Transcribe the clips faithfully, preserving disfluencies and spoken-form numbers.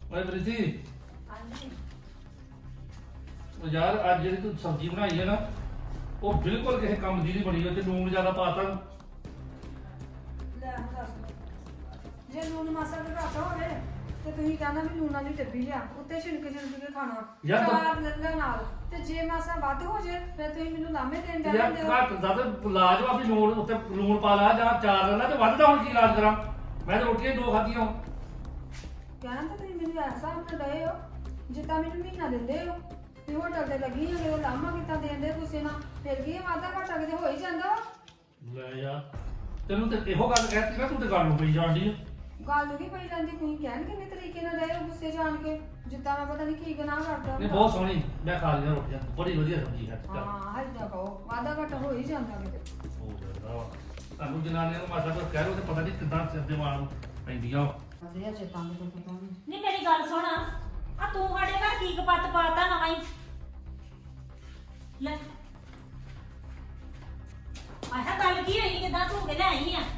ਓਏ ਪ੍ਰੀਤੀ ਹਾਂਜੀ ਉਹ ਯਾਰ ਅੱਜ ਜਿਹੜੀ ਤੂੰ ਸਬਜ਼ੀ ਬਣਾਈ ਹੈ ਨਾ ਉਹ ਬਿਲਕੁਲ ਕਿਸੇ ਕੰਮ ਦੀ ਨਹੀਂ ਬਣੀ ਉਹ ਤੇ ਲੂਣ ਜ਼ਿਆਦਾ ਪਾਤਾ। ਲੈ ਹੁਣ ਦੱਸ ਜੇ ਲੂਣ ਮਾਸਾ ਵੀ ਘੱਟ ਹੋਵੇ ਤੇ ਤੁਸੀਂ ਕਹਿੰਦਾ ਵੀ ਲੂਣ ਵਾਲੀ ਡੱਬੀ ਲਿਆ ਉੱਤੇ ਛਿਣਕ ਛਿਣਕ ਕੇ ਖਾਣਾ ਯਾਰ ਤਾਂ- ਚਾਰ ਲੱਗਾ ਨਾਲ ਤੇ ਜੇ ਮਾਸਾ ਵੱਧ ਹੋ ਜੇ ਫਿਰ ਤੁਸੀਂ ਮੈਨੂੰ ਲਾਮੇ ਦੇਣ ਦੇ ਯਾਰ ਦਿੰਦੇ ਹੋ। ਘੱਟ ਜ਼ਿਆਦਾ ਇਲਾਜ ਵਾ ਵੀ ਲੂਣ ਉੱਤੇ ਲੂਣ ਪਾ ਲਾ ਜਾਂ ਚਾਰ ਲੈ ਲਾ ਤੇ ਵੱਧਦਾ ਹੁਣ ਕੀ ਇਲਾਜ ਕਰਾਂ। ਮੈਂ ਤਾਂ ਰੋਟੀਆਂ ਹੀ ਦੋ ਖਾਧੀਆਂ। ਕਹਿਣਾ ਤਾਂ ਤੁਸੀਂ ਮੈਨੂੰ ਐਸਾ ਆਪਣੇ ਡਏ ਹੋ ਜਿੱਦਾਂ ਮੈਨੂੰ ਮਹੀਨਾ ਦਿੰਦੇ ਹੋ ਤੇ ਹੋਟਲ ਤੇ ਲੱਗੀ ਹੋਵੇ ਉਹ ਲਾਮਾ ਕਿਤਾ ਦੇਂਦੇ ਤੁਸੀਂ ਨਾ ਫਿਰ ਕੀ ਇਹ ਵਾਧਾ ਘਾਟਾ ਕਿਤੇ ਹੋ ਹੀ ਜਾਂਦਾ ਵਾ। ਲੈ ਯਾਰ ਤੈਨੂੰ ਤੇ ਇਹੋ ਗੱਲ ਕਹਿਤੀ ਨਾ ਤੂੰ ਤੇ ਗੱਲ ਨੂੰ ਪਈ ਜਾਂਦੀ। ਗੱਲ ਵੀ ਪਈ ਜਾਂਦੀ ਤੁਸੀਂ ਕਹਿਣ ਕਿੰਨੇ ਤਰੀਕੇ ਨਾਲ ਡਏ ਹੋ ਗੁੱਸੇ ਜਾਣ ਕੇ ਜਿੱਦਾਂ ਮੈਂ ਪਤਾ ਨਹੀਂ ਕੀ ਗੁਨਾਹ ਕਰਦਾ ਨਹੀਂ ਬਹੁਤ ਸੋਹਣੀ ਮੈਂ ਖਾ ਲਈਆਂ ਰੋਟੀਆਂ ਬੜੀ ਵਧੀਆ ਸਬਜ਼ੀ ਹੈ। ਹਾਂ ਹੱਦਾਂ ਕਹੋ ਵਾਧਾ ਘਾਟਾ ਹੋ ਹੀ ਜਾਂਦਾ ਕਿਤੇ ਹੋ ਜਾਂਦਾ ਵਾ ਤੁਹਾਨੂੰ ਜਨਾਨੀਆਂ ਨੂੰ ਮਾਸਾ ਕੁਝ ਕਹਿ ਲਓ ਤੇ ਪਤਾ ਨਹੀਂ ਕਿੱਦਾਂ ਸਿਰ ਦੇ ਵਾਲ ਪੈਂਦੀਆਂ। ਵਧੀਆ ਚੇਤਾਂ ਨੂੰ ਕੋਈ ਪਤਾ ਨਹੀਂ ਨਹੀਂ ਮੇਰੀ ਗੱਲ ਸੁਣ ਆ ਤੂੰ ਸਾਡੇ ਘਰ ਕੀ ਕਪੱਤ ਪਾਤਾ ਨਵਾਂ ਹੀ ਲੈ ਆਹ ਗੱਲ ਕੀ ਹੋਈ ਕਿਦਾਂ ਤੂੰ ਕੇ ਲੈ ਆਈ ਆ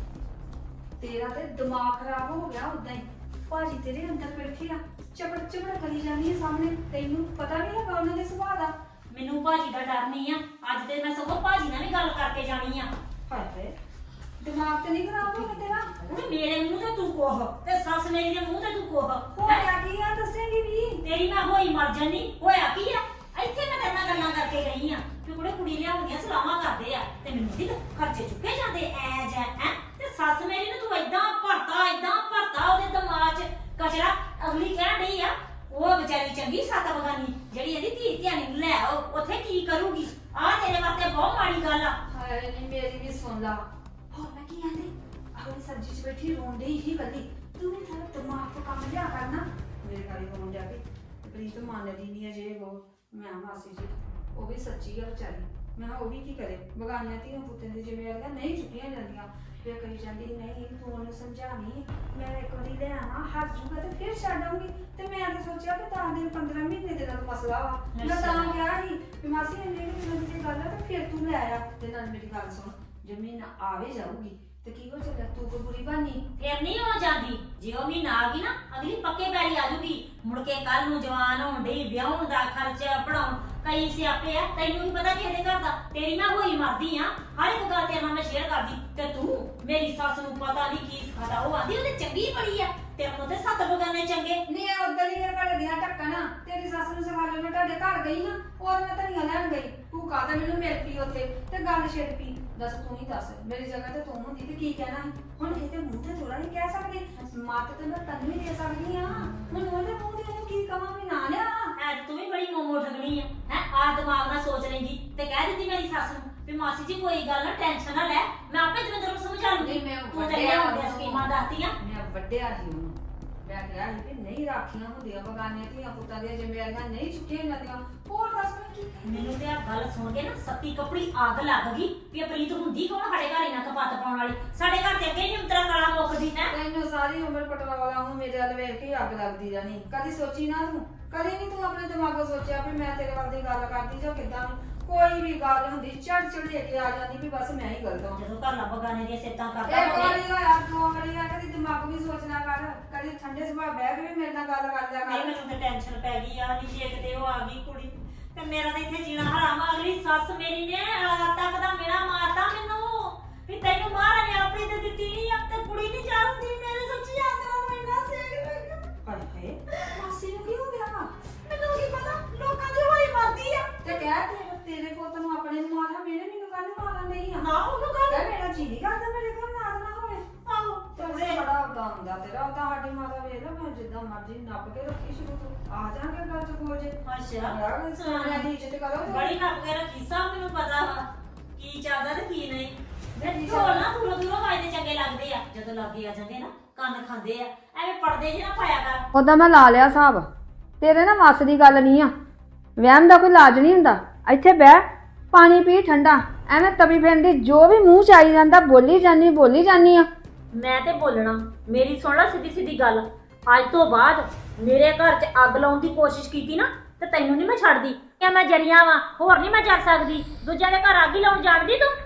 ਤੇਰਾ ਤੇ ਦਿਮਾਗ ਖਰਾਬ ਹੋ ਗਿਆ ਉਦਾਂ ਹੀ ਭਾਜੀ ਤੇਰੇ ਅੰਦਰ ਬੈਠੇ ਆ ਚਪੜ ਚਪੜ ਕਰੀ ਜਾਂਦੀ ਹੈ ਸਾਹਮਣੇ ਤੈਨੂੰ ਪਤਾ ਨਹੀਂ ਹੈਗਾ ਉਹਨਾਂ ਦੇ ਸੁਭਾਅ ਦਾ। ਮੈਨੂੰ ਭਾਜੀ ਦਾ ਡਰ ਨਹੀਂ ਆ ਅੱਜ ਤੇ ਮੈਂ ਸਗੋਂ ਭਾਜੀ ਨਾਲ ਵੀ ਗੱਲ ਕਰਕੇ ਜਾਣੀ ਆ। ਹਾਏ ਹਾਏ ਦਿਮਾਗ ਤੇ ਨਹੀਂ ਖਰਾਬ ਹੋ ਗਿਆ ਤੇਰਾ ਉਹਨੇ ਮੇਰੇ ਮੂੰਹ ਤੇ ਤੂੰ ਕੋਹ ਤੇ ਸੱਸ ਮੇਰੀ ਦੇ ਮੂੰਹ ਤੇ ਤੂੰ ਕੋਹ ਹੋਇਆ ਕੀ ਆ ਦੱਸੇਂਗੀ ਵੀ ਤੇਰੀ ਮੈਂ ਹੋਈ ਮਰ ਜਾਨੀ ਹੋਇਆ ਕੀ ਆ ਇੱਥੇ ਮੈਂ ਤੇਰੇ ਨਾਲ ਗੱਲਾਂ ਕਰਕੇ ਗਈ ਆ ਕਿ ਕੁੜੇ ਕੁੜੀ ਲਿਆਉਂਦੀਆਂ ਸਲਾਮਾਂ ਕਰਦੇ ਆ ਤੇ ਮੈਨੂੰ ਦੀ ਖਰਚੇ ਚੁੱਕੇ ਜਾਂਦੇ ਐ ਜੈ ਹੈ ਤੇ ਸੱਸ ਮੇਰੀ ਨੂੰ ਤੂੰ ਏਦਾਂ ਭਰਤਾ ਏਦਾਂ ਭਰਤਾ ਉਹਦੇ ਦਿਮਾਗ 'ਚ ਕਚਰਾ ਅਗਲੀ ਕਹਿ ਡਈ ਆ ਉਹ ਵਿਚਾਰੀ ਚੰਗੀ ਸੱਤ ਬਗਾਨੀ ਜਿਹੜੀ ਇਹਦੀ ਧੀ ਧਿਆਣੀ ਨੂੰ ਲੈ ਆਓ ਉੱਥੇ ਕੀ ਕਰੂਗੀ ਆ ਤੇਰੇ ਵਾਸਤੇ ਬਹੁਤ ਮਾੜੀ ਗੱਲ ਆ। ਹਾਏ ਨਹੀਂ ਮੇਰੀ ਵੀ ਸੁਣ ਲਾ ਹੋਰ ਮੈਂ ਕੀ ਆਂਦੀ ਆਪਣੀ ਸਬਜ਼ੀ 'ਚ ਬੈਠੀ ਰੋਂਦੀ ਹੀ ਕੱਲੀ ਤੂੰ ਵੀ ਥੋੜਾ ਦਿਮਾਗ ਤੋਂ ਕੰਮ ਲਿਆ ਕਰਨਾ ਮੇਰੇ ਗਾੜੀ ਰੋਣ ਜਾ ਕੇ ਪ੍ਰੀਤ ਮੰਨਦੀ ਨਹੀਂ ਅਜੇ ਉਹ ਮੈਂ ਮਾਸੀ ਜੀ ਉਹ ਵੀ ਸੱਚੀ ਆ ਵਿਚਾਰੀ ਮੈਂ ਕਿਹਾ ਉਹ ਵੀ ਕੀ ਕਰੇ ਬਗਾਨੀਆਂ ਧੀਆਂ ਪੁੱਤਾਂ ਦੀ ਜ਼ਿੰਮੇਵਾਰੀਆਂ ਨਹੀਂ ਚੁੱਕੀਆਂ ਜਾਂਦੀਆਂ ਫਿਰ ਕਹੀ ਜਾਂਦੀ ਨਹੀਂ ਤੂੰ ਉਹਨੂੰ ਸਮਝਾਵੀਂ ਮੈਂ ਇੱਕ ਵਾਰੀ ਲੈ ਆਵਾਂ ਹੱਥ ਜੂਗਾ ਤੇ ਫਿਰ ਛੱਡ ਆਉਂਗੀ ਤੇ ਮੈਂ ਤਾਂ ਸੋਚਿਆ ਕਿ ਦਸ ਦਿਨ ਪੰਦਰਾਂ ਮਹੀਨੇ ਦੇ ਨਾਲ ਮਸਲਾ ਵਾ ਮੈਂ ਤਾਂ ਕਿਹਾ ਸੀ ਵੀ ਮਾਸੀ ਇੰਨੇ ਕਿ ਦਿਨਾਂ ਦੀ ਗੱਲ ਆ ਤੇ ਫਿਰ ਤੂੰ ਲੈ ਆ ਤੇ ਨਾਲ ਮੇਰੀ ਗੱਲ ਸੁਣ ਜੇ ਮਹੀਨਾ ਆਵੇ ਜਾਊਗੀ ਤੇ ਕੀ ਹੋ ਚੱਲਿਆ ਤੂੰ ਕੋਈ ਬੁਰੀ ਬਾਨੀ ਫਿਰ ਨਹੀਂ ਹੋ ਜਾਂਦੀ ਜੇ ਉਹ ਮਹੀਨਾ ਆ ਗਈ ਨਾ ਅਗਲੀ ਪੱਕੇ ਪੈਰੀ ਆ ਜੂਗੀ ਮੁੜ ਕੇ ਕੱਲ ਨੂੰ ਜਵਾਨ ਹੋਣ ਡਈ ਵਿਆਹਣ ਦਾ ਖਰਚਾ ਪੜਾਉਣ ਕਈ ਸਿਆਪੇ ਆ ਤੈਨੂੰ ਵੀ ਪਤਾ ਕਿਹਦੇ ਘਰ ਦਾ ਤੇਰੀ ਮੈਂ ਹੋਈ ਮਰਦੀ ਆ ਹਰ ਇੱਕ ਗੱਲ ਤੇਰੇ ਨਾਲ ਮੈਂ ਸ਼ੇਅਰ ਕਰਦੀ ਤੇ ਤੂੰ ਮੇਰੀ ਸੱਸ ਨੂੰ ਪਤਾ ਨਹੀਂ ਕੀ ਸਿਖਾਦਾ ਉਹ ਆਂਦੀ ਉਹਦੇ ਚੰਗੀ ਬੜੀ ਆ ਤੇਰੇ ਕੋਲ ਤੇ ਸੱਤ ਬਗਾਨੇ ਚੰਗੇ ਨਹੀਂ ਆ ਉਧਰ ਹੀ ਘਰ ਦੀਆਂ ਢੱਕਣ ਤੇਰੀ ਸੱਸ ਨੂੰ ਸਿਖਾ ਲਿਆ ਮੈਂ ਤੁਹਾਡੇ ਘਰ ਗਈ ਨਾ ਔਰ ਮੈਂ ਧਨੀਆ ਲੈਣ ਗਈ ਤੂੰ ਕਾਹਦਾ ਮੈਨੂੰ ਮਿਲ ਪਈ ਉੱਥੇ ਤੇ ਗੱਲ ਛਿੜ ਪਈ ਦੱਸ ਤੂੰ ਹੀ ਦੱਸ ਮੇਰੀ ਜਗ੍ਹਾ ਤੇ ਤੂੰ ਹੁੰਦੀ ਤੇ ਕੀ ਕਹਿਣਾ ਸੀ ਹੁਣ ਕਿਤੇ ਮੂੰਹ ਤੇ ਥੋੜਾ ਨਹੀਂ ਕਹਿ ਸਕਦੇ ਮੱਤ ਤੇ ਮੈਂ ਤੈਨੂੰ ਵੀ ਦੇ ਸਕਦੀ ਆ ਹੁਣ ਉਹਦੇ ਮੂੰਹ ਤੇ ਉਹਨੂੰ ਕੀ ਕਹਾਂ ਵੀ ਨਾ ਲਿਆ ਐ ਤੂੰ ਵੀ ਬੜੀ ਮੋਮੋ ਠਗਣੀ ਆ ਹੈ ਆ ਦਿਮਾਗ ਨਾਲ ਸੋਚ ਲੈਂਦੀ ਤੇ ਕਹਿ ਦਿੱਤੀ ਮੇਰੀ ਸੱਸ ਨੂੰ ਵੀ ਮਾਸੀ ਜੀ ਕੋਈ ਗੱਲ ਨਾ ਟੈਨਸ਼ਨ ਨਾ ਲੈ ਮੈਂ ਆਪੇ ਦਵਿੰਦਰ ਨੂੰ ਸਮਝਾ ਲੂੰਗੀ ਨਹੀਂ, ਮੈਂ ਤੂੰ ਤੇ ਵੱਡਿਆ ਲਿਆਉਂਦੀਆਂ ਸਕੀਮਾਂ ਦੱਸਤੀਆਂ ਮੈਂ ਵੱਡਿਆ ਸੀ ਉਹਨੂੰ ਮੈਂ ਕਿਹਾ ਸੀ ਕਿ ਨਹੀਂ ਰਾਖੀਆਂ ਹੁੰਦੀਆਂ ਬਗਾਨੀਆਂ ਧੀਆਂ ਪੁੱਤਾਂ ਦੀਆਂ ਜ਼ਿੰਮੇਵਾਰੀਆਂ ਨਹੀਂ ਚੁੱਕੀਆਂ ਜਾਂਦੀਆਂ ਹੋਰ ਦੱਸ ਮੈਂ ਕੀ ਮੈਨੂੰ ਤੇ ਆ ਗੱਲ ਸੁਣ ਕੇ ਨਾ ਸੱਤੀ ਕਪੜੀ ਅੱਗ ਲੱਗ ਗਈ ਵੀ ਇਹ ਪ੍ਰੀਤ ਹੁੰਦੀ ਕੌਣ ਸਾਡੇ ਘਰ ਇਹਨਾਂ ਕਪੱਤ ਪਾਉਣ ਵਾਲੀ ਸਾਡੇ ਘਰ ਤੇ ਅੱਗੇ ਨਹੀਂ ਉਤਰਾ ਕਲਾ ਮੁੱਕਦੀ ਹੈ ਤੈਨੂੰ ਸਾਰੀ ਉਮਰ ਪਟਵਾਲਾ ਨੂੰ ਮੇਰੇ ਵੱਲ ਵੇਖ ਕੇ ਹੀ ਅੱਗ ਲੱਗਦੀ ਜਾਣੀ ਕਦੀ ਸੋਚੀ ਨਾ ਤੂੰ ਕਦੀ ਨਹੀਂ ਤੂੰ ਆਪਣੇ ਦਿਮਾਗੋਂ ਸੋਚਿਆ ਵੀ ਮੈਂ ਤੇਰੇ ਵੱਲ ਦੀ ਗੱਲ ਕਰਦੀ ਜਾਂ ਕਿੱਦਾਂ ਕੋਈ ਵੀ ਗੱਲ ਹੁੰਦੀ ਚੜ ਚੜ ਲੈ ਕੇ ਆ ਜਾਂਦੀ ਵੀ ਬਸ ਮੈਂ ਹੀ ਗਲਤ ਹਾਂ ਜਦੋਂ ਘਰ ਲਾ ਬਗਾਨੇ ਦੀਆਂ ਸਿੱਤਾਂ ਕਰਦਾ ਇੱਕ ਹੋਵੇ ਵਾਰੀ ਹੋਇਆ ਦੋ ਵਾਰੀ ਆ ਕਦੀ ਦਿਮਾਗ ਵੀ ਸੋਚਣਾ ਕਰ ਕਦੀ ਠੰਡੇ ਸੁਭਾਅ ਬਹਿ ਕੇ ਵੀ ਮੇਰੇ ਨਾਲ ਗੱਲ ਕਰ ਲਿਆ ਨਹੀਂ ਕਰ ਮੈਨੂੰ ਤੇ ਟੈਨਸ਼ਨ ਪੈ ਗਈ ਆ ਨਹੀਂ ਜੇ ਕਿਤੇ ਉਹ ਆ ਗਈ ਕੁੜੀ ਤੇ ਮੇਰਾ ਤਾਂ ਇੱਥੇ ਜੀਣਾ ਹਰਾਮ ਆ ਗਈ ਸੱਸ ਮੇਰੀ ਨੇ ਰਾਤ ਤੱਕ ਦਾ ਮੇਰਾ ਮਾਰਦਾ ਮੈਨੂੰ ਵੀ ਤੈਨੂੰ ਮਾਰਾ ਨੇ ਆਪਣੀ ਤੇ ਦਿੱਤੀ ਨਹੀਂ ਆ ਤੇ ਕੁੜੀ ਨਹੀਂ ਚਾਹੁੰਦੀ ਮੇਰੇ ਸੱਚੀ ਆਦਰਾਂ ਨੂੰ ਇੰਨਾ ਸੇਕ ਲੱਗਾ ਹਾਏ ਹਾਏ ਮਾਸੀ ਨੂੰ ਕੀ ਹੋ ਗਿਆ ਮੈਨੂੰ ਕੀ ਪਤਾ ਲੋਕਾਂ ਦੀ ਹੋਈ ਮਰਦੀ ਆ ਤੇ ਕਹਿ ਤੇਰੇ ਤੇਰੇ ਪੁੱਤ ਨੂੰ ਆਪਣੇ ਨੂੰ ਮਾਰਾ ਮੇਰੇ ਮੈਨੂੰ ਕੱਲ ਮਾਰਨ ਨਹੀਂ ਆ ਨਾ ਉਹਨੂੰ ਗੱਲ ਕਹਿ ਮੇਰਾ ਜੀ ਨਹੀਂ ਕਰਦਾ ਮੇਰੇ ਘਰ ਮਾਰ ਨਾ ਹੋਵੇ ਆਹੋ ਤੇ ਬੜਾ ਉਦਾਂ ਹੁੰਦਾ ਤੇਰਾ ਉਦਾਂ ਸਾਡੀ ਮਾਤਾ ਵੇਖ ਲਾ ਮੈਂ ਜਿੱਦਾਂ ਮਰਜ਼ੀ ਨੱਪ ਕੇ ਰੱਖੀ ਸ਼ੁਰੂ ਤੋਂ ਆ ਜਾਾਂਗੇ ਗੱਲ ਚ ਬੋਲ ਜੇ ਅੱਛਾ ਯਾਰ ਸੋਹਣਿਆਂ ਦੀ ਇੱਜ਼ਤ ਕਰੋ ਤੇ ਬੜੀ ਨੱਪ ਕੇ ਰੱਖੀ ਸਭ ਮੈਨੂੰ ਪਤਾ ਵਾ ਕੀ ਚੱਲਦਾ ਤੇ ਕੀ ਨਹੀਂ ਬੈਠੀ ਢੋਲ ਨਾ ਦੂਰੋਂ ਦੂਰੋਂ ਵਾਜਦੇ ਚੰਗੇ ਲੱਗਦੇ ਆ ਜਦੋਂ ਲਾਗੇ ਆ ਜਾਂਦੇ ਨਾ ਕੰਨ ਖਾਂਦੇ ਆ ਐਵੇਂ ਪੜਦੇ ਜਿਹੇ ਨਾ ਪਾਇਆ ਕਰ ਉਦਾਂ ਮੈਂ ਲਾ ਲਿਆ ਹਿਸਾਬ ਤੇਰੇ ਨਾ ਵੱਸ ਦੀ ਗੱਲ ਨਹੀਂ ਆ ਵਹਿਮ ਦਾ ਕੋਈ ਇਲਾਜ ਨਹੀਂ ਹੁੰਦਾ ਇੱਥੇ ਬਹਿ ਪਾਣੀ ਪੀ ਠੰਡਾ ਐਵੇਂ ਤਵੀ ਫੇਰਦੀ ਜੋ ਵੀ ਮੂੰਹ ਚ ਆਈ ਜਾਂਦਾ ਬੋਲੀ ਜਾਨੀ ਬੋਲੀ ਜਾਨੀ ਆ ਮੈਂ ਤੇ ਬੋਲਣਾ ਮੇਰੀ ਸੁਣ ਲੈ ਸਿੱਧੀ ਸਿੱਧੀ ਗੱਲ ਅੱਜ ਤੋਂ ਬਾਅਦ ਮੇਰੇ ਘਰ 'ਚ ਅੱਗ ਲਾਉਣ ਦੀ ਕੋਸ਼ਿਸ਼ ਕੀਤੀ ਨਾ ਤੇ ਤੈਨੂੰ ਨਹੀਂ ਮੈਂ ਛੱਡਦੀ ਕਿ ਮੈਂ ਜਰੀਆਂ ਵਾਂ ਹੋਰ ਨਹੀਂ ਮੈਂ ਚੱਲ ਸਕਦੀ ਦੂਜਿਆਂ ਦੇ ਘਰ ਅੱਗ ਹੀ ਲਾਉਣ ਜਾਣਦੀ ਤੂੰ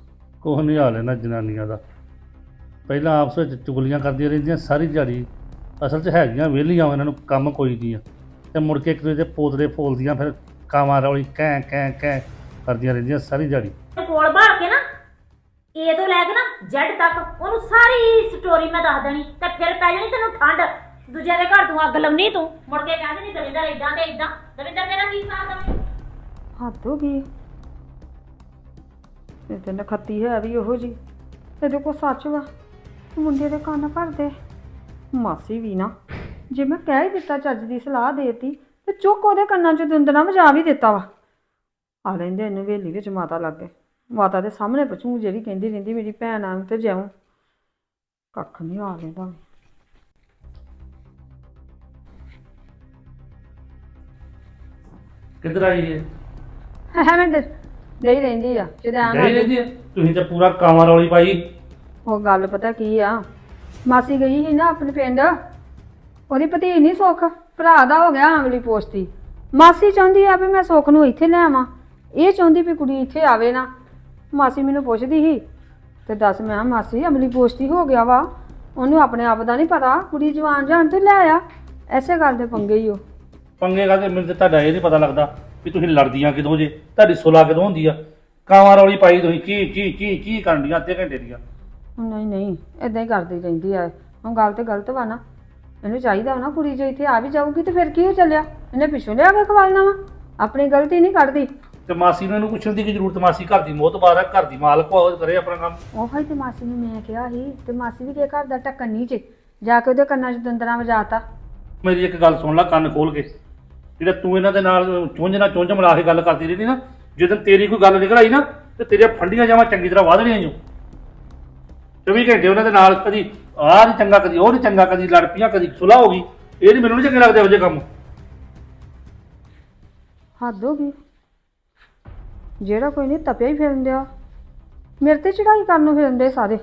ਕੁਛ ਨਹੀਂ ਹਾਲ ਇਹਨਾਂ ਜਨਾਨੀਆਂ ਦਾ ਪਹਿਲਾਂ ਆਪਸ ਵਿੱਚ ਚੁਗਲੀਆਂ ਕਰਦੀਆਂ ਰਹਿੰਦੀਆਂ ਸਾਰੀ ਦਿਹਾੜੀ ਅਸਲ 'ਚ ਹੈਗੀਆਂ ਵਿਹਲੀਆਂ ਇਹਨਾਂ ਨੂੰ ਕੰਮ ਕੋਈ ਨਹੀਂ ਆ ਤੇ ਮੁੜ ਕੇ ਇੱਕ ਦੂਜੇ ਦੇ ਪੋਤਰੇ ਫੋਲਦੀਆਂ ਫਿਰ ਕਾਵਾਂ ਰੌਲੀ ਕਹਿ ਕਹਿ ਕਹਿ ਕਰਦੀਆਂ ਰਹਿੰਦੀਆਂ ਸਾਰੀ ਦਿਹਾੜੀ। ਕੋਲ ਬਾੜ ਕੇ ਨਾ ਏ ਤੋਂ ਲੈ ਕੇ ਨਾ ਜੈਡ ਤੱਕ ਉਹਨੂੰ ਸਾਰੀ ਸਟੋਰੀ ਮੈਂ ਦੱਸ ਦੇਣੀ ਤੇ ਫਿਰ ਪੈ ਜਾਣੀ ਤੈਨੂੰ ਠੰਡ। ਦੂਜਿਆਂ ਦੇ ਘਰ ਤੂੰ ਅੱਗ ਲਾਉਣੀ, ਤੂੰ ਮੁੜ ਕੇ ਕਹਿੰਦੇ ਨਹੀਂ ਦਵਿੰਦਰ ਇਦਾਂ ਤੇ ਇਦਾਂ। ਦਵਿੰਦਰ ਤੇਰਾ ਕੀ ਸਾਥ ਦਵੇ? ਹੱਦ ਹੋ ਗਈ। ਇਹ ਤੇ ਨਖੱਤੀ ਹੈ ਵੀ ਉਹੋ ਜੀ। ਇਹਦੇ ਕੋਲ ਸੱਚ ਵਾ, ਮੁੰਡੇ ਦੇ ਕੰਨ ਭਰਦੇ। ਮਾਸੀ ਵੀ ਨਾ, ਜੇ ਮੈਂ ਕਹਿ ਹੀ ਦਿੱਤਾ ਚੱਜ ਦੀ ਸਲਾਹ ਦੇਤੀ ਤੇ ਚੁੱਕ ਉਹਦੇ ਕੰਨਾਂ 'ਚ ਦੁੰਦਣਾ ਵਜਾ ਵੀ ਦਿੱਤਾ ਵਾ। ਆ ਲੈਂਦੇ ਇਹਨੂੰ ਹਵੇਲੀ ਵਿੱਚ ਮਾਤਾ ਲੱਗੇ, ਮਾਤਾ ਦੇ ਸਾਹਮਣੇ ਪੁੱਛੂ ਜਿਹੜੀ ਕਹਿੰਦੀ ਰਹਿੰਦੀ ਮੇਰੀ ਭੈਣ ਆ ਤੇ ਜਾਉਂ। ਕੱਖ ਨਹੀਂ ਆ ਲੈਂਦਾ। ਕਿੱਧਰ ਆਈ ਏ? ਐਵੇਂ ਦੇ ਦੇਈ ਰਹਿੰਦੀ ਆ ਨਹੀਂ ਜਦੋਂ ਰਹਿੰਦੀ ਆ? ਤੁਸੀਂ ਤਾਂ ਪੂਰਾ ਕਾਵਾਂ ਰੌਲੀ ਪਾਈ। ਉਹ ਗੱਲ ਪਤਾ ਕੀ ਆ, ਮਾਸੀ ਗਈ ਸੀ ਨਾ ਆਪਣੇ ਪਿੰਡ, ਉਹਦੀ ਭਤੀਜ ਨਹੀਂ ਸੁੱਖ, ਭਰਾ ਦਾ ਹੋ ਗਿਆ ਅਮਲੀ ਪੋਸਤੀ। ਮਾਸੀ ਚਾਹੁੰਦੀ ਆ ਵੀ ਮੈਂ ਸੁੱਖ ਨੂੰ ਇੱਥੇ ਲੈ ਆਵਾਂ, ਇਹ ਚਾਹੁੰਦੀ ਵੀ ਕੁੜੀ ਇੱਥੇ ਆਵੇ ਨਾ। ਮਾਸੀ ਮੈਨੂੰ ਪੁੱਛਦੀ ਸੀ ਤੇ ਦੱਸ ਮੈਂ ਕਿਹਾ ਮਾਸੀ ਅਮਲੀ ਪੋਸਤੀ ਹੋ ਗਿਆ ਵਾ, ਉਹਨੂੰ ਆਪਣੇ ਆਪ ਦਾ ਨਹੀਂ ਪਤਾ, ਕੁੜੀ ਜਵਾਨ ਜਾਣ ਤੇ ਲੈ ਆ। ਐਸੇ ਗੱਲ ਦੇ ਪੰਗੇ ਹੀ ਉਹ ਪੰਗੇ ਕਰਦੇ। ਮੈਨੂੰ ਤਾਂ ਤੁਹਾਡਾ ਇਹ ਨਹੀਂ ਪਤਾ ਲੱਗਦਾ ਵੀ ਤੁਸੀਂ ਲੜਦੀਆਂ ਕਿਦੋਂ ਜੇ, ਤੁਹਾਡੀ ਸੁਲਾ ਕਿਦੋਂ ਹੁੰਦੀ ਆ? ਕਾਵਾਂ ਰੌਲੀ ਪਾਈ ਤੁਸੀਂ ਕੀ ਕੀ ਕੀ ਕੀ ਕਰਨ ਦੀਆਂ ਅੱਧੇ ਘੰਟੇ ਦੀਆਂ। ਨਹੀਂ ਨਹੀਂ ਏਦਾਂ ਹੀ ਕਰਦੀ ਰਹਿੰਦੀ ਆ। ਹੁਣ ਗੱਲ ਤੇ ਗਲਤ ਵਾ ਨਾ, ਇਹਨੂੰ ਚਾਹੀਦਾ ਵਾ ਨਾ ਕੁੜੀ ਜੇ ਇੱਥੇ ਆ ਵੀ ਜਾਊਗੀ ਤੇ ਫਿਰ ਕੀ ਹੋ ਚੱਲਿਆ, ਇਹਨੇ ਪਿੱਛੋਂ ਲਿਆ ਕੇ ਖਵਾਲਣਾ ਵਾ, ਆਪਣੀ ਗਲਤੀ ਨਹੀਂ ਕੱਢਦੀ। ਤੇ ਮਾਸੀ ਨੂੰ ਇਹਨੂੰ ਪੁੱਛਣ ਦੀ ਕੀ ਜ਼ਰੂਰਤ? ਮਾਸੀ ਘਰ ਦੀ ਮੋਹਤਬਾਰ ਆ, ਘਰ ਦੀ ਮਾਲਕ ਆ, ਉਹ ਕਰੇ ਆਪਣਾ ਕੰਮ। ਉਹੀ ਤੇ ਮਾਸੀ ਨੂੰ ਮੈਂ ਕਿਹਾ ਸੀ ਤੇ ਮਾਸੀ ਵੀ ਕੇ ਘਰ ਦਾ ਢੱਕਣ ਨਹੀਂ ਚ ਜਾ ਕੇ ਉਹਦੇ ਕੰਨਾਂ 'ਚ ਦੰਦਰਾਂ ਵਜਾਤਾ। ਮੇਰੀ ਇੱਕ ਗੱਲ ਸੁਣ ਲੈ ਕੰਨ ਖੋਲ ਕੇ, ਜਿਹੜਾ ਤੂੰ ਇਹਨਾਂ ਦੇ ਨਾਲ ਚੁੰਝ ਨਾਲ ਚੁੰਝ ਮਿਲਾ ਕੇ ਗੱਲ ਕਰਦੀ ਰਹਿੰਦੀ ਨਾ, ਜਦੋਂ ਤੇਰੀ ਕੋਈ ਗੱਲ ਨਿਕਲ ਆਈ ਨਾ ਤੇ ਤੇਰੀਆਂ ਫੰਡੀਆਂ ਜਾਵਾਂ ਚੰਗੀ ਤਰ੍ਹਾਂ ਵਧ ਰਹੀਆਂ ਜੋ। ਚੌਵੀ ਘੰਟੇ ਉਹਨਾਂ ਦੇ ਨਾਲ ਕਦੀ ਆਹ ਨਹੀਂ ਚੰਗਾ, ਕਦੀ ਉਹ ਨਹੀਂ ਚੰਗਾ, ਕਦੀ ਲੜ ਪਈਆਂ, ਕਦੀ ਸੁਲਾਹ ਹੋ ਗਈ। ਇਹ ਨਹੀਂ, ਮੈਨੂੰ ਨਹੀਂ ਚੰਗੇ ਲੱਗਦੇ ਇਹੋ ਜਿਹੇ ਕੰਮ। ਹੱਦ ਹੋ ਗਈ, ਜਿਹੜਾ ਕੋਈ ਨਹੀਂ ਤਪਿਆ ਹੀ ਫਿਰਨ ਦਿਆ, ਮੇਰੇ ਤੇ ਚੜਾਈ ਕਰਨ ਨੂੰ ਫਿਰਨ ਦੇ ਸਾਰੇ।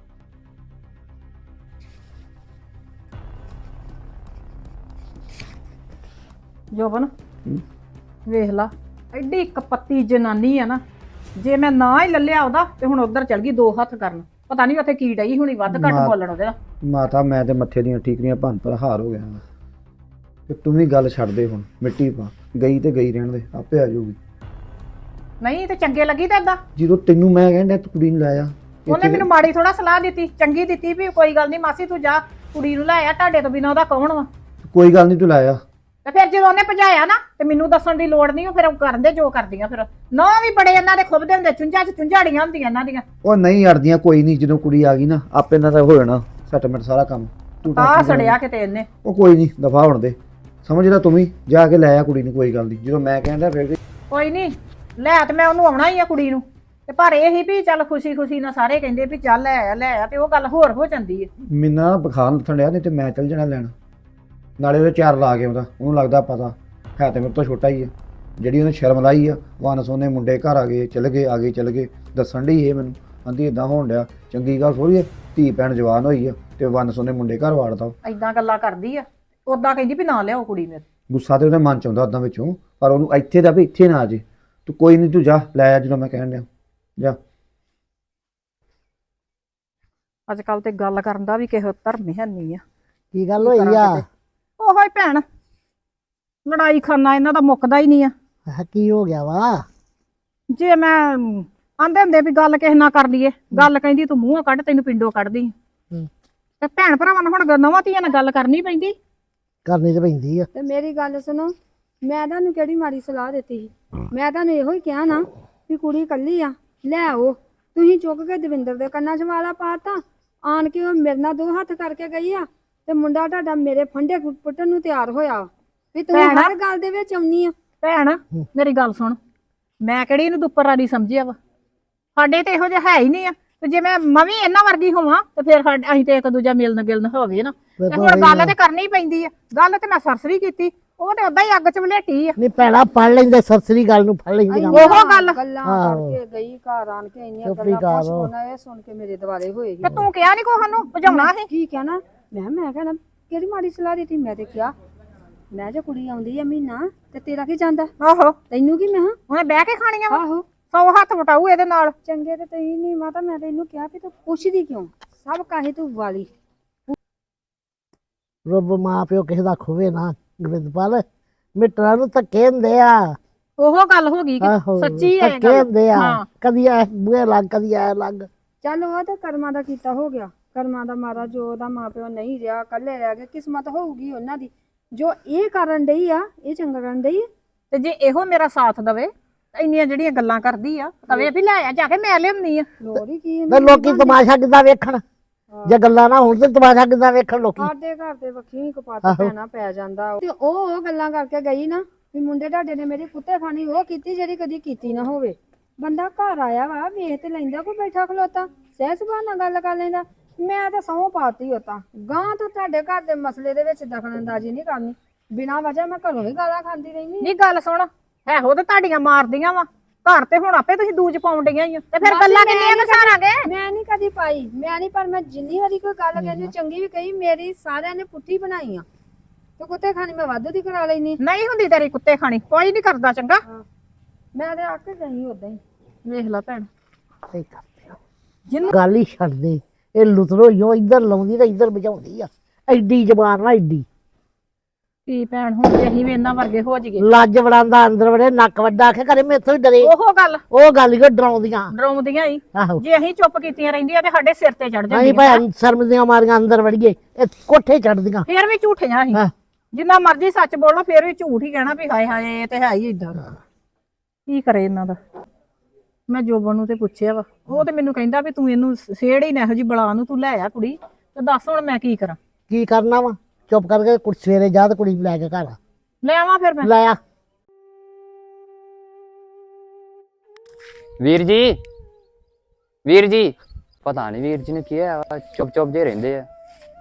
ਜੋਬਨ ਵੇਖ ਲਾ, ਐਡੀ ਕਪੱਤੀ ਜਨਾਨੀ ਆ ਨਾ। ਜੇ ਮੈਂ ਨਾ ਹੀ ਲੱਲਿਆ ਉਹਦਾ ਤੇ ਹੁਣ ਉਧਰ ਚਲ ਗਈ ਦੋ ਹੱਥ ਕਰਨ। ਪਤਾ ਨਹੀਂ ਉੱਥੇ ਕੀ ਡਈ ਹੁਣੀ ਵੱਧ ਘੱਟ ਮਾ- ਬੋਲਣ ਉਹਦੇ ਨਾਲ। ਮਾਤਾ ਮੈਂ ਤੇ ਮੱਥੇ ਦੀਆਂ ਠੀਕਰੀਆਂ ਭੰਨ ਪਰ ਹਾਰ ਹੋ ਗਿਆ ਵਾਂ। ਤੇ ਤੂੰ ਵੀ ਗੱਲ ਛੱਡ ਦੇ ਹੁਣ, ਮਿੱਟੀ ਪਾ, ਗਈ ਤੇ ਗਈ ਰਹਿਣ ਦੇ, ਆਪੇ ਆ ਜਾਊਗੀ। ਨਹੀਂ ਤੇ ਚੰਗੇ ਲੱਗੀ ਤਾਂ ਏਦਾਂ। ਜਦੋਂ ਤੈਨੂੰ ਮੈਂ ਕਹਿੰਦਾ ਤੂੰ ਕੁੜੀ ਨੂੰ ਲਾਇਆ, ਉਹਨੇ ਮੈਨੂੰ ਮਾੜੀ ਥੋੜਾ ਸਲਾਹ ਦਿੱਤੀ, ਚੰਗੀ ਦਿੱਤੀ ਵੀ ਕੋਈ ਗੱਲ ਨਹੀਂ ਮਾਸੀ ਤੂੰ ਜਾ ਕੁੜੀ ਨੂੰ ਲੈ ਆ, ਤੁਹਾਡੇ ਤੋਂ ਬਿਨਾਂ ਉਹਦਾ ਕੌਣ ਵਾ। ਕੋਈ ਗੱਲ ਨਹੀਂ ਤੂੰ ਲਾਇਆ। ਤੇ ਫਿਰ ਜਦੋਂ ਉਹਨੇ ਭਜਾਇਆ ਨਾ ਤੇ ਮੈਨੂੰ ਦੱਸਣ ਦੀ ਲੋੜ ਨਹੀਂ, ਉਹ ਫਿਰ ਕਰਦੇ ਜੋ ਕਰਦੀਆਂ। ਫਿਰ ਨਾ ਵੀ ਬੜੇ ਇਹਨਾਂ ਦੇ ਖੁੱਬਦੇ ਹੁੰਦੇ, ਚੁੰਝਾਂ 'ਚ ਚੁੰਝਾੜੀਆਂ ਹੁੰਦੀਆਂ ਇਹਨਾਂ ਦੀਆਂ। ਉਹ ਨਹੀਂ ਅੜਦੀਆਂ, ਕੋਈ ਨਹੀਂ, ਜਦੋਂ ਕੁੜੀ ਆ ਗਈ ਨਾ ਆਪੇ ਇਹਨਾਂ ਦਾ ਹੋ ਜਾਣਾ ਸੈਟਲਮੈਂਟ ਸਾਰਾ ਕੰਮ। ਤੂੰ ਆ tension ਸੜਿਆ ਨਾ- ਕਿਤੇ ਇਹਨੇ। ਉਹ ਕੋਈ ਨਹੀਂ, ਦਫਾ ਹੋਣ ਦੇ, ਸਮਝਦਾ ਤੂੰ ਵੀ ਜਾ ਕੇ ਲੈ ਆ ਕੁੜੀ ਨੂੰ, ਕੋਈ ਗੱਲ ਨਹੀਂ। ਜਦੋਂ ਮੈਂ ਕਹਿੰਦਾ ਫਿਰ ਵੀ ਕੋਈ ਨਹੀਂ ਲੈ, ਤੇ ਮੈਂ ਉਹਨੂੰ ਆਉਣਾ ਹੀ ਆ ਕੁੜੀ ਨੂੰ। ਤੇ ਪਰ ਇਹ ਹੀ ਵੀ ਚੱਲ ਖੁਸ਼ੀ ਖੁਸ਼ੀ ਨਾਲ ਸਾਰੇ ਕਹਿੰਦੇ ਵੀ ਚੱਲ ਲੈ ਆ ਲੈ ਆ, ਤੇ ਉਹ ਗੱਲ ਹੋਰ ਹੋ ਜਾਂਦੀ ਹੈ। ਮੈਨੂੰ ਨਾ ਬੁਖਾਰ ਲੱਥਣ ਡਿਆ, ਨਹੀਂ ਤੇ ਮੈਂ ਚੱਲ ਜਾਣਾ ਲੈਣ। ਨਾਲੇ ਉਹਦੇ ਚਾਰ ਲਾ ਕੇ ਆਉਂਦਾ, ਉਹਨੂੰ ਲੱਗਦਾ ਪਤਾ ਹੈ ਤੇ ਮੇਰੇ ਤੋਂ ਛੋਟਾ ਹੀ ਆ। ਜਿਹੜੀ ਉਹਨੇ ਸ਼ਰਮ ਲਾਈ ਆ, ਵਨ ਸੋਨੇ ਮੁੰਡੇ ਘਰ ਆ ਗਏ, ਚਲ ਗਏ, ਆ ਗਏ ਚਲ ਗਏ, ਦੱਸਣ ਡਈ ਇਹ ਮੈਨੂੰ, ਆਂਦੀ ਇਦਾਂ ਹੋਣ ਡਿਆ। ਚੰਗੀ ਗੱਲ ਥੋੜੀ ਆ, ਧੀ ਭੈਣ ਜਵਾਨ ਹੋਈ ਆ ਤੇ ਵਨ ਸੋਨੇ ਮੁੰਡੇ ਘਰ ਵਾੜਦਾ। ਐਦਾਂ ਗੱਲਾਂ ਕਰਦੀ ਆ, ਉਦਾਂ ਕਹਿੰਦੀ ਵੀ ਨਾ ਲਿਆਓ ਕੁੜੀ ਮੇਰੇ। ਗੁੱਸਾ ਤੇ ਉਹਦੇ ਮਨ ਚ ਆਉਂਦਾ ਉਦਾਂ ਵਿੱਚੋਂ, ਪਰ ਉਹਨੂੰ ਇੱਥੇ ਦਾ ਵੀ ਇੱਥੇ ਨਾ ਆ ਜੇ। ਤੂੰ ਕੋਈ ਨਹੀਂ, ਤੂੰ ਜਾ ਲੈ ਆ ਜਦੋਂ ਮੈਂ ਕਹਿਣ ਡਿਆ, ਜਾ। ਅੱਜ ਕੱਲ ਤੇ ਗੱਲ ਕਰਨ ਦਾ ਵੀ ਕਿਸੇ ਧਰਮ ਹੈ ਨਹੀਂ ਆ। ਕੀ ਗੱਲ ਹੋਈ ਆ? ਉਹੋ ਹੀ ਭੈਣ, ਲੜਾਈ ਖਾਨਾ ਇਹਨਾਂ ਦਾ ਮੁੱਕਦਾ ਹੀ ਨਹੀਂ ਆ। ਆਹ ਕੀ ਹੋ ਗਿਆ ਵਾ? ਜੇ ਮੈਂ ਆਂਦੇ ਹੁੰਦੇ ਵੀ ਗੱਲ ਕਿਸੇ ਨਾਲ ਕਰ ਲਈਏ, ਗੱਲ ਕਹਿੰਦੀ ਤੂੰ ਮੂੰਹੋਂ ਕੱਢ, ਤੈਨੂੰ ਪਿੰਡੋਂ ਕੱਢਦੀ। ਹੂੰ। ਤੇ ਭੈਣ ਭਰਾਵਾਂ ਨਾਲ ਹੁਣ ਨਵਾਂ ਧੀਆਂ ਨਾਲ ਗੱਲ ਕਰਨੀ ਪੈਂਦੀ। ਕਰਨੀ ਤੇ ਪੈਂਦੀ ਆ। ਤੇ ਮੇਰੀ ਗੱਲ ਸੁਣੋ, ਮੈਂ ਤੁਹਾਨੂੰ ਕਿਹੜੀ ਮਾੜੀ ਸਲਾਹ ਦਿੱਤੀ ਸੀ? ਮੈਂ ਤੁਹਾਨੂੰ ਇਹੋ ਹੀ ਕਿਹਾ ਨਾ ਵੀ ਕੁੜੀ ਇਕੱਲੀ ਆ, ਲੈ ਆਓ। ਤੁਸੀਂ ਚੁੱਕ ਕੇ ਦਵਿੰਦਰ ਦੇ ਕੰਨਾਂ 'ਚ ਵਾਲਾ ਪਾਤਾ, ਆਣ ਕੇ ਉਹ ਮੇਰੇ ਨਾਲ ਦੋ ਹੱਥ ਕਰਕੇ ਗਈ ਆ ਤੇ ਮੁੰਡਾ ਤੁਹਾਡਾ ਮੇਰੇ ਫੰਡੇ ਪੁੱਟਣ ਨੂੰ ਤਿਆਰ ਹੋਇਆ ਵੀ ਤੂੰ ਭੈਣਾ। ਹਰ ਗੱਲ ਦੇ ਵਿੱਚ ਆਉਣੀ ਆ। ਭੈਣ ਮੇਰੀ ਗੱਲ ਸੁਣ, ਮੈਂ ਕਿਹੜੀ ਇਹਨੂੰ ਦੁੱਪਰ ਰਾਣੀ ਸਮਝਿਆ ਵਾ? ਸਾਡੇ ਤੇ ਇਹੋ ਜਿਹਾ ਹੈ ਹੀ ਨਹੀਂ ਆ। ਤੇ ਜੇ ਮੈਂ ਮੈਂ ਵੀ ਇਹਨਾਂ ਵਰਗੀ ਹੋਵਾਂ ਤੇ ਫਿਰ ਸਾਡੇ ਅਸੀਂ ਤੇ ਇੱਕ ਦੂਜਾ ਮਿਲਣ ਗਿਲਣ ਹੋਵੇ ਨਾ। ਤੇ ਹੁਣ ਗੱਲ ਤੇ ਕਰਨੀ ਪੈਂਦੀ ਆ। ਗੱਲ ਤੇ ਮੈਂ ਸਰਸਰੀ ਕੀਤੀ, ਉਹ ਤੇ ਉਦਾਂ ਹੀ ਅੱਗ 'ਚ ਵਲੇਟੀ ਆ। ਨਹੀਂ ਭੈਣਾ ਫੜ ਲੈਂਦੇ, ਸਰਸਰੀ ਗੱਲ ਨੂੰ ਫੜ ਲੈਂਦੇ। ਉਹ ਗੱਲ ਗੱਲਾਂ ਆਹੋ। ਕਰਕੇ ਗਈ ਘਰ ਆਣ ਕੇ ਇੰਨੀਆਂ ਚੁੱਪ ਹੀ ਗੱਲਾਂ ਕਰ ਪੁੱਛ ਲਓ। ਕੋਨਾ ਇਹ ਸੁਣ ਕੇ ਮੇਰੇ ਦੁਆਲੇ ਹੋਏ ਤੇ ਤੂੰ ਕਿਹਾ ਨਹੀਂ ਕੋਹ ਨੂੰ ਭਜਾਉਣਾ ਸੀ? ਕੀ ਕਹਿਣਾ ਮੈਂ ਮੈਂ ਕਹਿਣਾ ਕਿਹੜੀ ਮਾੜੀ ਸਲਾਹ ਦਿੱਤੀ? ਮੈਂ ਤੇ ਕਿਹਾ ਮੈਂ ਜੇ ਕੁੜੀ ਆਉਂਦੀ ਆ ਮਹੀਨਾ ਤੇ ਤੇਰਾ ਕੀ ਜਾਂਦਾ, ਆਹੋ, ਤੈਨੂੰ ਕੀ? ਮੈਂ ਉਹਨੇ ਬਹਿ ਕੇ ਖਾਣੀਆਂ ਵਾ। ਆਹੋ ਸੌ ਹੱਥ ਵਟਾਊ ਇਹਦੇ ਨਾਲ। ਚੰਗੇ ਤੇ ਤਈ ਨਹੀਂ ਮਾਤਾ, ਮੈਂ ਤੈਨੂੰ ਕਿਹਾ ਵੀ ਤੂੰ ਪੁੱਛਦੀ ਕਿਉਂ? ਸਭ ਕਾਹੇ ਤੂੰ ਵਾਲੀ ਰੱਬ ਮਾਂ ਪਿਓ ਕਿਸੇ ਦਾ ਖੋਵੇ ਨਾ ਗੋਬਿੰਦਪਾਲ ਮਿੱਟਰਾਂ ਨੂੰ ਧੱਕੇ ਹੁੰਦੇ ਆ ਉਹ ਗੱਲ ਹੋ ਗਈ ਕਿ ਆਹੋ ਸੱਚੀ ਹੈ ਇਹ ਧੱਕੇ ਗੱਲ। ਹੁੰਦੇ ਆ ਹਾਂ। ਕਦੀ ਐ ਬੂਹੇ ਲੱਗ ਕਦੀ ਐ ਲੱਗ ਚੱਲ ਉਹ ਤੇ ਕਰਮਾਂ ਦਾ ਕੀਤਾ ਹੋ ਗਿਆ, ਕਰਮਾਂ ਦਾ ਮਾਰਾ ਜੋ ਉਹਦਾ ਮਾਪਿਓ ਨਹੀਂ ਰਿਹਾ, ਇਕੱਲੇ ਰਹਿ ਗਏ, ਕਿਸਮਤ ਹੋਊਗੀ ਉਹਨਾਂ ਦੀ। ਜੋ ਇਹ ਕਰਨ ਡਈ ਆ ਇਹ ਚੰਗਾ ਕਰਨ ਡਈ ਆ। ਤੇ ਜੇ ਇਹੋ ਮੇਰਾ ਸਾਥ ਦਵੇ ਤਾਂ ਇੰਨੀਆਂ ਜਿਹੜੀਆਂ ਗੱਲਾਂ ਕਰਦੀ ਆ ਕਵੇ ਵੀ ਲੈ ਆ ਜਾ ਕੇ ਮੈਂ ਲਿਆਉਂਦੀ ਆ। ਲੋੜ ਹੀ ਕੀ ਤੇ ਲੋਕੀ ਤਮਾਸ਼ਾ ਕਿੱਦਾਂ ਵੇਖਣ ਜੇ ਗੱਲਾਂ ਨਾ ਹੋਣ ਤੇ ਤਮਾਸ਼ਾ ਕਿੱਦਾਂ ਵੇਖਣ ਲੋਕੀ ਸਾਡੇ ਘਰ ਦੇ ਵੱਖੀ ਕਪਾਤ ਪੈਣਾ ਪੈ ਜਾਂਦਾ। ਤੇ ਉਹ ਉਹ ਗੱਲਾਂ ਕਰਕੇ ਗਈ ਨਾ ਵੀ ਮੁੰਡੇ ਤੁਹਾਡੇ ਨੇ ਮੇਰੀ ਕੁੱਤੇ ਖਾਣੀ ਉਹ ਕੀਤੀ ਜਿਹੜੀ ਕਦੀ ਕੀਤੀ ਨਾ ਹੋਵੇ। ਬੰਦਾ ਘਰ ਆਇਆ ਵਾ ਵੇਖ ਤੇ ਲੈਂਦਾ ਕੋਈ ਬੈਠਾ ਖਲੋਤਾ ਸਹਿ ਸੁਭਾਅ ਨਾਲ ਗੱਲ ਕਰ ਲੈਂਦਾ। ਮੈਂ ਤਾਂ ਸਹੁੰ ਪਾਤੀ ਉਤਾਂ ਗਾਂ ਤੋਂ ਤੁਹਾਡੇ ਘਰ ਦੇ ਮਸਲੇ ਦੇ ਵਿੱਚ ਦਖਲ ਅੰਦਾਜ਼ੀ ਨਹੀਂ ਕਰਨੀ। ਬਿਨਾਂ ਵਜ੍ਹਾ ਮੈਂ ਘਰੋਂ ਵੀ ਗਾਲਾਂ ਖਾਂਦੀ ਰਹਿੰਦੀ। ਨਹੀਂ ਗੱਲ ਸੁਣ ਇਹੋ ਤੇ ਤੁਹਾਡੀਆਂ ਮਾਰਦੀਆਂ ਵਾ ਘਰ ਤੇ ਹੁਣ ਆਪੇ ਤੁਸੀਂ ਦੂਜ ਪਾਉਣ ਡੀਆਂ ਹੀ ਆ ਤੇ ਫਿਰ ਮਾਸੀ ਗੱਲਾਂ ਮੈਂ ਕਿੰਨੀਆਂ ਨੀ ਕਸਾਰਾਂਗੇ। ਮੈਂ ਨਹੀਂ ਕਦੀ ਪਾਈ, ਮੈਂ ਨਹੀਂ, ਪਰ ਮੈਂ ਜਿੰਨੀ ਵਾਰੀ ਕੋਈ ਗੱਲ ਕਹਿੰਦੀ ਚੰਗੀ ਵੀ ਕਹੀ ਮੇਰੀ ਸਾਰਿਆਂ ਨੇ ਪੁੱਠੀ ਬਣਾਈ ਆ। ਤੇ ਕੁੱਤੇ ਖਾਣੀ ਮੈਂ ਵਾਧੂ ਦੀ ਕਰਾ ਲੈਣੀ। ਨਹੀਂ ਹੁੰਦੀ ਤੇਰੀ ਕੁੱਤੇ ਖਾਣੀ ਕੋਈ ਨਹੀਂ ਕਰਦਾ ਚੰਗਾ। ਮੈਂ ਤੇ ਆ ਕੇ ਗਈ ਉਦਾਂ ਹੀ। ਵੇਖ ਲੈ ਭੈਣ ਸਹੀ ਕਰਦੇ ਆ। ਜਿਹਨੂੰ ਗੱਲ ਹੀ ਛੱਡ ਦੇ ਇਹ ਲੁਤਰੋ ਹੀ ਇੱਧਰ ਲਾਉਂਦੀ ਤੇ ਇੱਧਰ ਬਚਾਉਂਦੀ ਆ ਐਡੀ ਜ਼ਬਾਨ ਨਾ ਐਡੀ ਕੀ ਭੈਣ ਹੁਣ ਜੇ ਅਸੀਂ ਵੀ ਇਹਨਾਂ ਵਰਗੇ ਹੋ ਜੀਏ। ਲੱਜ ਵੜਾਂਦਾ ਅੰਦਰ ਵੜੇ ਨੱਕ ਵੱਡਾ ਆਖੇ ਕਰੇ ਮੇਥੋਂ ਹੀ ਡਰੇ ਉਹ ਗੱਲ ਉਹ ਗੱਲ ਹੀ ਉਹ ਡਰਾਉਂਦੀਆਂ ਡਰਾਉਂਦੀਆਂ ਹੀ ਆਹੋ ਜੇ ਅਸੀਂ ਚੁੱਪ ਕੀਤੀਆਂ ਰਹਿੰਦੀਆਂ ਤੇ ਸਾਡੇ ਸਿਰ ਤੇ ਚੜ ਅਸੀਂ ਜਾਂਦੀਆਂ ਭਾਈ ਸ਼ਰਮ ਦੀਆਂ ਮਾਰੀਆਂ ਅੰਦਰ ਵੜੀਏ ਇਹ ਕੋਠੇ ਚੜਦੀਆਂ ਫੇਰ ਵੀ ਝੂਠੀਆਂ ਅਸੀਂ ਹਾਂ ਜਿੰਨਾ ਮਰਜ਼ੀ ਸੱਚ ਬੋਲੋ ਫੇਰ ਵੀ ਝੂਠ ਹੀ ਕਹਿਣਾ ਵੀ ਹਾਏ ਹਾਏ ਇਹ ਤੇ ਹੈ ਹੀ ਇਦਾਂ ਕੀ ਕਰੇ ਇਹਨਾਂ ਦਾ। ਮੈਂ ਜੋਬਨ ਨੂੰ ਤੇ ਪੁੱਛਿਆ ਵਾ ਉਹ ਤੇ ਮੈਨੂੰ ਕਹਿੰਦਾ ਵੀ ਤੂੰ ਇਹਨੂੰ ਸੇੜ ਹੀ ਨਾ ਇਹੋ ਜੀ ਬਲਾ ਨੂੰ ਤੂੰ ਲੈ ਆ ਕੁੜੀ ਤੇ ਦੱਸ ਹੁਣ ਮੈਂ ਕੀ ਕਰਾਂ। ਕੀ ਕਰਨਾ ਵਾ ਚੁੱਪ ਕਰਕੇ ਕੁੜੀ ਸਵੇਰੇ ਜਾ ਤੇ ਕੁੜੀ ਨੂੰ ਲੈ ਕੇ ਘਰ ਆ ਲੈ ਆਵਾਂ ਫਿਰ ਮੈਂ ਲੈ ਆ ਵੀਰ ਜੀ ਵੀਰ ਜੀ ਪਤਾ ਨਹੀਂ ਵੀਰ ਜੀ ਨੇ ਕੀ ਹੈ ਚੁੱਪ ਚੁੱਪ ਜੇ ਰਹਿੰਦੇ ਆ।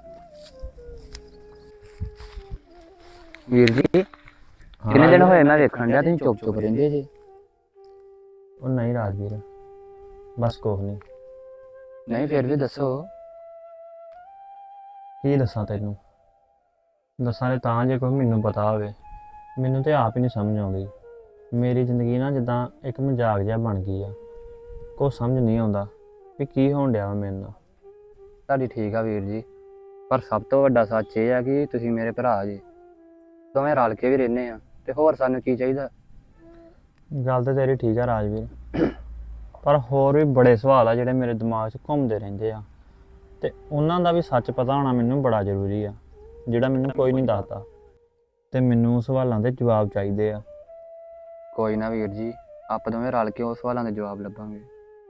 ਵੀਰ ਜੀ ਕਿੰਨੇ ਦਿਨ ਹੋਏ ਮੈਂ ਵੇਖਣ ਡਿਆ ਤੁਸੀਂ ਚੁੱਪ ਚੁੱਪ ਰਹਿੰਦੇ ਜੀ। ਉਹ ਨਹੀਂ ਰਾਜਵੀਰ ਬਸ ਕੁਛ ਨਹੀਂ। ਨਹੀਂ ਫਿਰ ਵੀ ਦੱਸੋ। ਕੀ ਦੱਸਾਂ ਤੈਨੂੰ ਦੱਸਾਂ ਤੇ ਤਾਂ ਜੇ ਕੋਈ ਮੈਨੂੰ ਪਤਾ ਹੋਵੇ ਮੈਨੂੰ ਤੇ ਆਪ ਹੀ ਨਹੀਂ ਸਮਝ ਆਉਂਦੀ। ਮੇਰੀ ਜ਼ਿੰਦਗੀ ਨਾ ਜਿੱਦਾਂ ਇੱਕ ਮਜ਼ਾਕ ਜਿਹਾ ਬਣ ਗਈ ਆ ਕੁਛ ਸਮਝ ਨਹੀਂ ਆਉਂਦਾ ਵੀ ਕੀ ਹੋਣ ਡਿਆ ਵਾ ਮੇਰੇ ਨਾਲ। ਤੁਹਾਡੀ ਠੀਕ ਆ ਵੀਰ ਜੀ ਪਰ ਸਭ ਤੋਂ ਵੱਡਾ ਸੱਚ ਇਹ ਆ ਕਿ ਤੁਸੀਂ ਮੇਰੇ ਭਰਾ ਜੀ ਦੋਵੇਂ ਰਲ ਕੇ ਵੀ ਰਹਿੰਦੇ ਆ ਤੇ ਹੋਰ ਸਾਨੂੰ ਕੀ ਚਾਹੀਦਾ। ਗੱਲ ਤੇ ਤੇਰੀ ਠੀਕ ਆ ਰਾਜਵੀਰ ਪਰ ਹੋਰ ਵੀ ਬੜੇ ਸਵਾਲ ਆ ਜਿਹੜੇ ਮੇਰੇ ਦਿਮਾਗ 'ਚ ਘੁੰਮਦੇ ਰਹਿੰਦੇ ਆ ਤੇ ਉਹਨਾਂ ਦਾ ਵੀ ਸੱਚ ਪਤਾ ਹੋਣਾ ਮੈਨੂੰ ਬੜਾ ਜ਼ਰੂਰੀ ਆ ਜਿਹੜਾ ਮੈਨੂੰ ਕੋਈ ਨਹੀਂ ਦੱਸਦਾ ਤੇ ਮੈਨੂੰ ਸਵਾਲਾਂ ਦੇ ਜਵਾਬ ਚਾਹੀਦੇ ਆ। ਕੋਈ ਨਾ ਵੀਰ ਜੀ ਆਪਾਂ ਦੋਵੇਂ ਰਲ ਕੇ ਉਸ ਸਵਾਲਾਂ ਦੇ ਜਵਾਬ ਲੱਭਾਂਗੇ।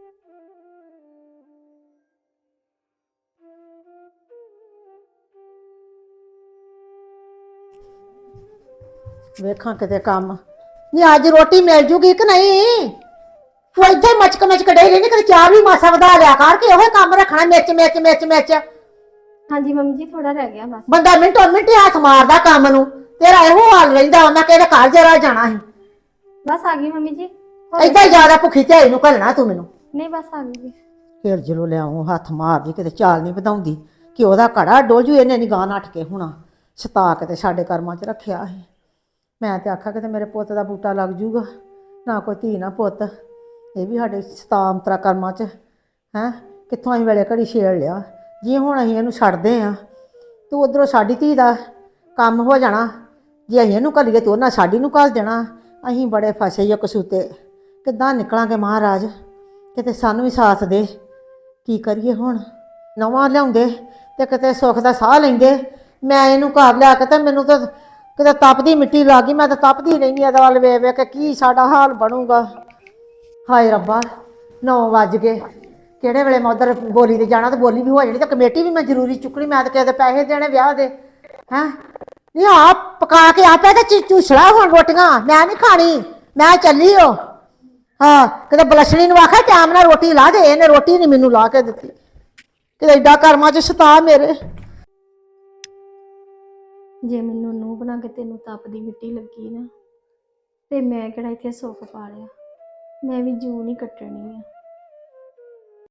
ਵੇਖਾਂ ਕਿਤੇ ਕੰਮ ਨਹੀਂ ਅੱਜ ਰੋਟੀ ਮਿਲ ਜੂਗੀ ਕਿ ਨਹੀਂ। ਤੂੰ ਇੱਥੇ ਮਚਕ ਮਚਕ ਡੇ ਰਹਿੰਦੀ ਕਦੇ ਚਾਰ ਵੀ ਮਾਸਾ ਵਧਾ ਲਿਆ ਕਰ ਕੇ ਉਹ ਕੰਮ ਰੱਖਣਾ ਮਿਰਚ ਮਿਰਚ ਮਿਰਚ ਮਿਰਚ। ਹਾਂਜੀ ਮੰਮੀ ਜੀ ਥੋੜਾ ਰਹਿ ਗਿਆ ਬਸ। ਬੰਦਾ ਮਿੰਟੋ ਮਿੰਟ ਹੱਥ ਮਾਰਦਾ ਕੰਮ ਨੂੰ ਤੇਰਾ ਇਹੋ ਹਾਲ ਰਹਿੰਦਾ ਉਹਨਾਂ ਕਿਹੜੇ ਘਰ ਜਰਾ ਜਾਣਾ ਸੀ। ਬਸ ਆ ਗਈ ਮੰਮੀ ਜੀ। ਏਦਾਂ ਜ਼ਿਆਦਾ ਭੁੱਖੀ ਝਾਈ ਨੂੰ ਘੱਲਣਾ ਤੂੰ ਮੈਨੂੰ। ਨਹੀਂ ਬਸ ਆ ਗਈ ਜੀ। ਫਿਰ ਜਦੋਂ ਲਿਆਉਂ ਹੱਥ ਮਾਰਦੀ ਕਿਤੇ ਚਾਲ ਨਹੀਂ ਵਧਾਉਂਦੀ ਕਿ ਉਹਦਾ ਘੜਾ ਡੋਲਜੂ ਇਹਨੇ ਨੀ ਗਾਂ ਨੱਠ ਕੇ ਹੋਣਾ ਸਤਾ ਕੇ ਤੇ ਸਾਡੇ ਕਰਮਾਂ 'ਚ ਰੱਖਿਆ ਸੀ। ਮੈਂ ਤੇ ਆਖਿਆ ਕਿ ਮੇਰੇ ਪੁੱਤ ਦਾ ਬੂਟਾ ਲੱਗ ਜੂਗਾ ਨਾ ਕੋਈ ਧੀ ਨਾ ਪੁੱਤ ਇਹ ਵੀ ਸਾਡੇ ਸਤਾਮਤਰਾ ਕਰਮਾਂ 'ਚ ਹੈਂ ਕਿੱਥੋਂ ਅਸੀਂ ਵੇਲੇ ਘੜੀ ਛੇੜ ਲਿਆ। ਜੇ ਹੁਣ ਅਸੀਂ ਇਹਨੂੰ ਛੱਡਦੇ ਹਾਂ ਤੇ ਉਧਰੋਂ ਸਾਡੀ ਧੀ ਦਾ ਕੰਮ ਹੋ ਜਾਣਾ। ਜੇ ਅਸੀਂ ਇਹਨੂੰ ਘੱਲੀਏ ਤੇ ਉਹਨਾਂ ਸਾਡੀ ਨੂੰ ਘੱਲ ਦੇਣਾ। ਅਸੀਂ ਬੜੇ ਫਸੇ ਹੀ ਕਸੂਤੇ ਕਿੱਦਾਂ ਨਿਕਲਾਂਗੇ ਮਹਾਰਾਜ ਕਿਤੇ ਸਾਨੂੰ ਵੀ ਸਾਥ ਦੇ। ਕੀ ਕਰੀਏ ਹੁਣ ਨਵਾਂ ਲਿਆਉਂਦੇ ਤੇ ਕਿਤੇ ਸੁੱਖ ਦਾ ਸਾਹ ਲੈਂਦੇ। ਮੈਂ ਇਹਨੂੰ ਘਰ ਲਿਆ ਕੇ ਤੇ ਮੈਨੂੰ ਤਾਂ ਕਿਤੇ ਤਪਦੀ ਮਿੱਟੀ ਲੱਗ ਗਈ। ਮੈਂ ਤਾਂ ਤਪਦੀ ਰਹਿੰਦੀ ਇਹਦੇ ਵੱਲ ਵੇਖ ਵੇਖ ਕੇ ਕੀ ਸਾਡਾ ਹਾਲ ਬਣੂਗਾ। ਹਾਏ ਰੱਬਾ ਨੌ ਵੱਜ ਗਏ ਕਿਹੜੇ ਵੇਲੇ ਮੈਂ ਉਧਰ ਬੋਲੀ ਤੇ ਜਾਣਾ ਤੇ ਬੋਲੀ ਵੀ ਹੋ ਜਾਣੀ ਤੇ ਕਮੇਟੀ ਵੀ ਮੈਂ ਜ਼ਰੂਰੀ ਚੁੱਕਣੀ। ਮੈਂ ਤਾਂ ਕਿਸੇ ਦੇ ਪੈਸੇ ਦੇਣੇ ਵਿਆਹ ਦੇ ਹੈਂ ਨਹੀਂ ਆ ਪਕਾ ਕੇ ਆਪੇ ਤੇ ਚੂਸਲਾ ਹੁਣ ਰੋਟੀਆਂ ਮੈਂ ਨਹੀਂ ਖਾਣੀ ਮੈਂ ਚੱਲੀ ਓ। ਹਾਂ ਕਿਤੇ ਬਲਸ਼ਣੀ ਨੂੰ ਆਖਿਆ ਟਾਈਮ ਨਾਲ ਰੋਟੀ ਲਾ ਦੇ ਇਹਨੇ ਰੋਟੀ ਨਹੀਂ ਮੈਨੂੰ ਲਾ ਕੇ ਦਿੱਤੀ। ਕਿਤੇ ਏਡਾ ਕਰਮਾਂ 'ਚ ਸਤਾ ਮੇਰੇ। ਜੇ ਮੈਨੂੰ ਨੂੰਹ ਬਣਾ ਕੇ ਤੈਨੂੰ ਤਪਦੀ ਮਿੱਟੀ ਲੱਗੀ ਨਾ ਤੇ ਮੈਂ ਕਿਹੜਾ ਇੱਥੇ ਸੁੱਖ ਪਾ ਲਿਆ। ਮੈਂ ਵੀ ਜੂ ਨਹੀਂ ਕੱਟਣੀ ਆ।